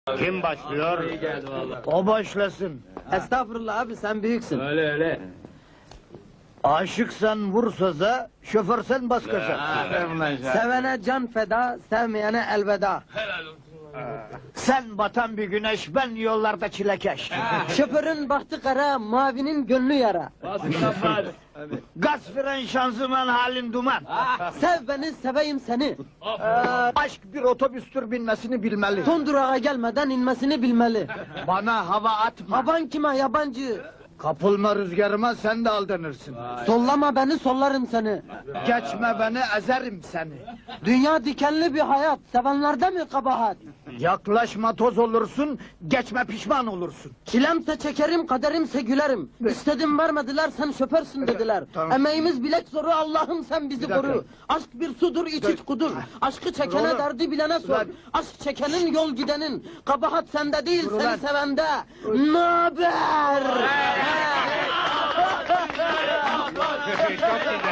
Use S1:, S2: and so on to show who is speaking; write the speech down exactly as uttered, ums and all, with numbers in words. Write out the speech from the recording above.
S1: Kim başlıyor?
S2: İyi geldi vallahi.
S1: O başlasın.
S3: Estağfurullah abi, sen büyüksün.
S2: Öyle öyle.
S1: Aşıksan vur söze, şoförsen bas gaza.
S3: Sevene can feda, sevmeyene elveda.
S1: Sen batan bir güneş, ben yollarda çilekeş.
S3: Şoförün bahtı kara, mavinin gönlü yara.
S2: Basın
S1: Gaz fren şanzıman halin duman.
S3: Sev beni, seveyim seni.
S1: Ee, aşk bir otobüstür, binmesini bilmeli.
S3: Son durağa gelmeden inmesini bilmeli.
S1: Bana hava atma.
S3: Havan kime yabancı?
S1: Kapılma rüzgarıma, sen de aldanırsın.
S3: Sollama beni, sollarım seni.
S1: Geçme beni, ezerim seni.
S3: Dünya dikenli bir hayat, sevenlerde mi kabahat?
S1: Yaklaşma toz olursun, geçme pişman olursun.
S3: Çilemse çekerim, kaderimse gülerim. İstedim vermediler, sen şoförsün dediler.
S1: Tamam.
S3: Emeğimiz bilek zoru, Allah'ım sen bizi
S1: Bir dakika.
S3: koru. Aşk bir sudur, iç iç kudur. Aşkı çekene
S1: Dur oğlum.
S3: derdi bilene sor.
S1: Ulan.
S3: Aşk çekenin yol gidenin. Kabahat sende değil,
S1: Dur
S3: seni
S1: ulan.
S3: sevende. Naber?
S1: Çok güzel.